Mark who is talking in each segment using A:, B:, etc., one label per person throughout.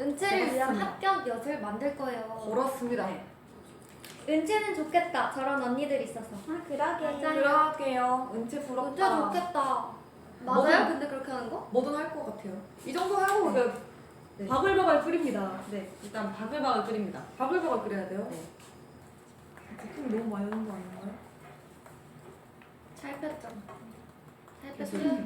A: 은채를 위한 합격 엿을 만들 거예요.
B: 그렇습니다.
C: 네.
A: 은채는 좋겠다. 저런 언니들 있어서.
C: 그러게.
A: 맞아요.
B: 그러게요. 은채
A: 은채
B: 부럽다.
A: 좋겠다. 맞아요?
B: 뭐든-
A: 근데 그렇게 하는 거?
B: 뭐든 할 것 같아요. 이 정도 하고 그냥
C: 네.
B: 바글바글 끓입니다.
C: 네, 일단 바글바글 끓입니다.
B: 바글바글 끓여야 돼요.
C: 네.
B: 제품 너무 많이 넣은 거 아닌가요?
A: 잘 폈죠? 잘 폈어요?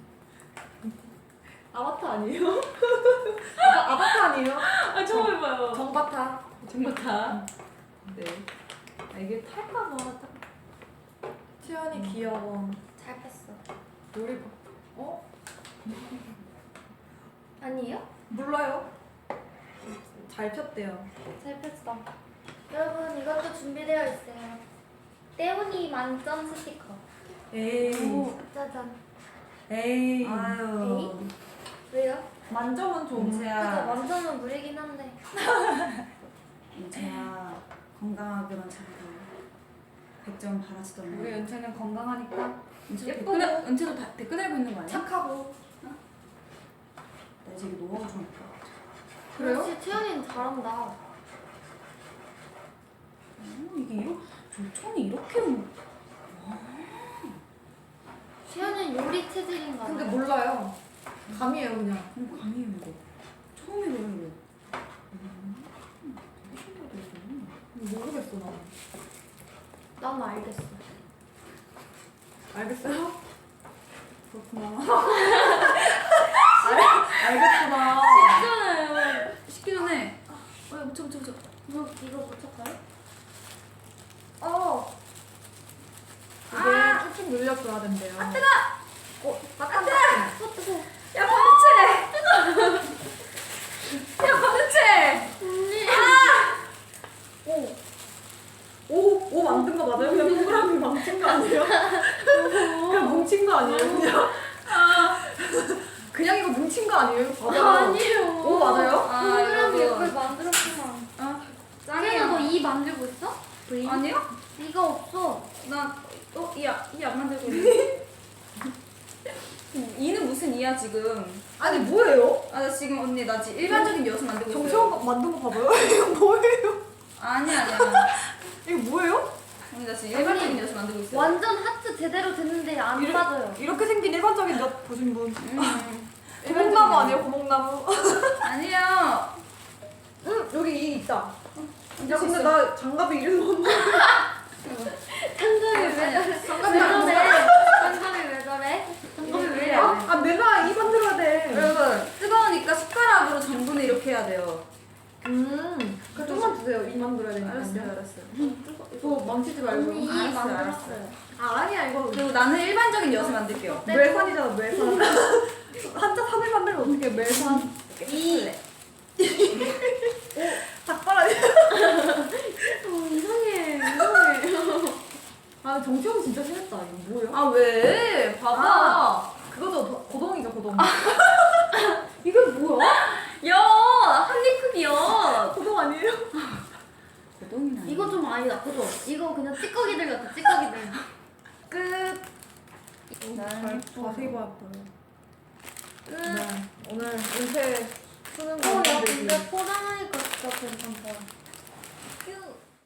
B: 아바타 아니에요? 아바타 아니에요?
C: 아, 처음 해봐요.
B: 정바타.
C: 정말 네. 아, 이게 탈까봐.
B: 채연이 귀여워.
A: 잘 폈어.
B: 요리 어?
A: 아니에요?
B: 몰라요. 잘 폈대요.
A: 잘 폈어. 여러분 이것도 준비되어 있어요. 떼우니 만점 스티커.
B: 에이.
A: 짜잔.
B: 에이.
C: 아유.
A: 왜요?
B: 만점은 좀.
A: 그죠?
C: 은채야.
A: 만점은 무리긴 한데.
C: 은채야. 건강하게만 잘해. 100점 바라지던
B: 우리 은채는 건강하니까
C: 은채도
B: 예쁘고.
C: 은채도 댓글 달고 있는 거 아니야?
B: 착하고.
C: 나 이제 이거 노하우 좀 할까?
B: 그래요?
A: 역시 채연이는 잘한다.
C: 이게 촌이 이렇게
A: 채연이는 요리 체질인가
B: 근데
A: 봐요.
B: 몰라요. 감이에요 그냥.
C: 감이에요 이거. 처음이래요 이거.
B: 모르겠어 나.
A: 난 알겠어.
B: 알겠어요?
C: 그렇구나.
B: 알겠구나.
A: 쉽잖아요.
C: 식기 전에 묻혀.
A: 이거 붙였어요?
B: 이게 쭉쭉 늘려줘야 된대요. 아 뜨거! 따뜻.
A: 뜨거.
C: 야 반우채! 야 반우채!
A: 언니.
B: 오 만든 거 맞아요? 그냥 동그라미 망친 거 아니에요? 그냥 뭉친 거 아니에요? 그냥? 그냥 이거 뭉친 거 아니에요? 맞아요.
A: 아니에요.
B: 오 맞아요?
A: 동그라미
C: 여러분.
A: 예쁘게 만들었구만.
C: 짱이야.
A: 채연아 너이 만들고 있어?
C: 아니요?
A: 이가 없어.
C: 이안 만들고 있네. 이는 무슨 이야 지금?
B: 아니 뭐예요?
C: 아 나 지금 언니 나 지금 일반적인 엿을 만들고 있어요.
B: 정채원 만든 거 봐봐요. 이거 뭐예요?
C: 아니야.
B: 이거 뭐예요?
C: 언니 나 지금 일반적인 엿을 만들고 있어요.
A: 완전 하트 제대로 됐는데 안
B: 이래-
A: 빠져요.
B: 이렇게 생긴 일반적인 엿 보신 분.
C: 일반적인
B: 고목나무
C: 엿.
B: 아니에요? 고목나무.
C: 아니요.
B: 여기 이 있다. 야
C: 있어.
B: 근데 나 장갑에 이름 없는데.
A: 장갑이 왜 저래? 왜
B: 장갑이 안
A: 저래?
B: 돼.
A: 장갑이 왜 저래? 장갑이 왜 이래?
B: 아 내가 이 만들어야 돼.
C: 여러분 뜨거우니까 숟가락으로 전분을 이렇게 해야 돼요.
B: 그 좀만 주세요. 이 만들어야 되니까.
C: 알았어요.
B: 또 망치지 말고.
A: 언니 이
C: 알았어요,
A: 만들었어요.
B: 아 아니야 이거.
C: 그리고 나는 일반적인 엿을 만들게요.
B: 멜산이잖아 멜산. 한자 산을 만들면 어떻게 멜산?
C: 이
B: 닭바라지.
A: 이상해.
B: 아 정치형 진짜 심했다. 이거 뭐예요?
C: 아 왜? 봐봐.
B: 아. 그거죠 고동이죠 고동.
A: 이게 뭐야?
C: 엿! 한입 크기 엿!
B: 고동 아니에요?
C: 고동이나
A: 이거 좀 아니다. 그죠? 이거 그냥 찌꺼기들 같아. 찌꺼기들.
C: 끝.
B: 자세히 봐야 보여.
A: 끝.
B: 네. 오늘 은퇴 수능
A: 야
B: 공부들이
A: 근데 포장하니까 진짜 괜찮다.